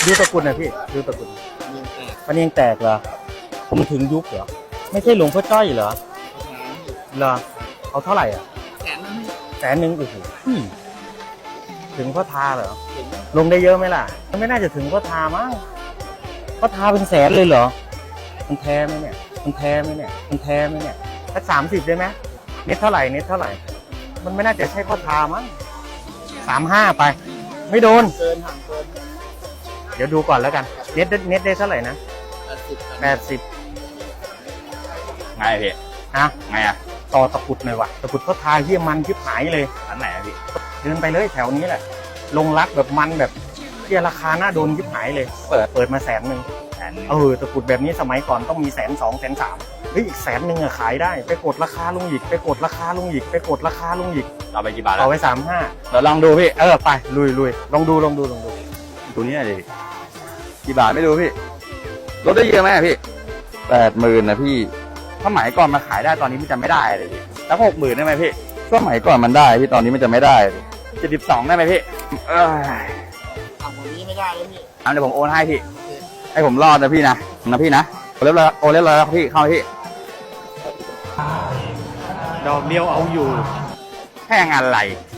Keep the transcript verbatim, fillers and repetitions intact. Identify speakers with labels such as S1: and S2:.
S1: ดูตะกุดนะพี่ดูตะกุดมันยังแตกเหรอผมถึงยุบเหรอไม่ใช่หลวงพ่อจ้อยเหรอเหรอเอาเท่าไหร่อ่ะแสนนึงแสนนึงโอ้โหถึงพ่อทาเหรอลงได้เยอะไหมล่ะมันไม่น่าจะถึงพ่อทามั้งพ่อทาเป็นแสนเลยเหรอมันแท้ไหมเนี่ยมันแท้ไหมเนี่ยมันแท้ไหมเนี่ยสักสามสิบได้ไหมเน็ตเท่าไหร่เน็ตเท่าไหร่มันไม่น่าจะใช่พ่อทามั้งสามห้าไปไม่โดนเกินห่างเกินเดี๋ยวดูก่อนแล้วกันเน็ตเน็ตได้เท่าไหร่นะแปดสิบ
S2: ไงพี่
S1: นะ
S2: ไงอะ
S1: ต่อตะกุดหน่อยวะตะกุดเขาทาเยี่ยมันชิบหายเลย
S2: อันไหนอะพี่
S1: เดินไปเลยแถวนี้แหละลงรักแบบมันแบบเที่ยราคาหน้าโดนชิบหายเลยเปิดเปิดมาแสนหนึ่งเออตะกุดแบบนี้สมัยก่อนต้องมีแสนสองแสนสามเฮ้ยอีกแสนหนึ่งอะขายได้ไปกดราคาลงอีกไปกดราคาลงอีกไปกดราคาลงอีก
S2: เอาไปกี่บาท
S1: เอาไปสามห้า
S2: เราลองดูพี่
S1: เออไปลุยลุยลองดูลองดูลองดู
S2: ตัวนี้เลยกี่บาทไม่รู้พี่ลดได้เยอะไหมพี่แปดหมื่นนะพี่สมัยก่อนมาขายได้ตอนนี้มันจะไม่ได้เลยพี่แล้วหกหมื่นได้ไหมพี่สมัยก่อนมันได้พี่ตอนนี้มันจะไม่ได้เจ็ดสิบสองได้ไหมพี่เออ
S1: ทำแบบนี้ไม่ได้เลยพี่
S2: เอาเดี๋ยวผมโอนให้พี่ให้ผมรอดนะพี่นะนะพี่นะโอนเรียบร้อยโอนเรียบร้อยแล้วพี่เข้าพี่
S1: ดอกเดียวเอาอยู่
S2: แพงอะไร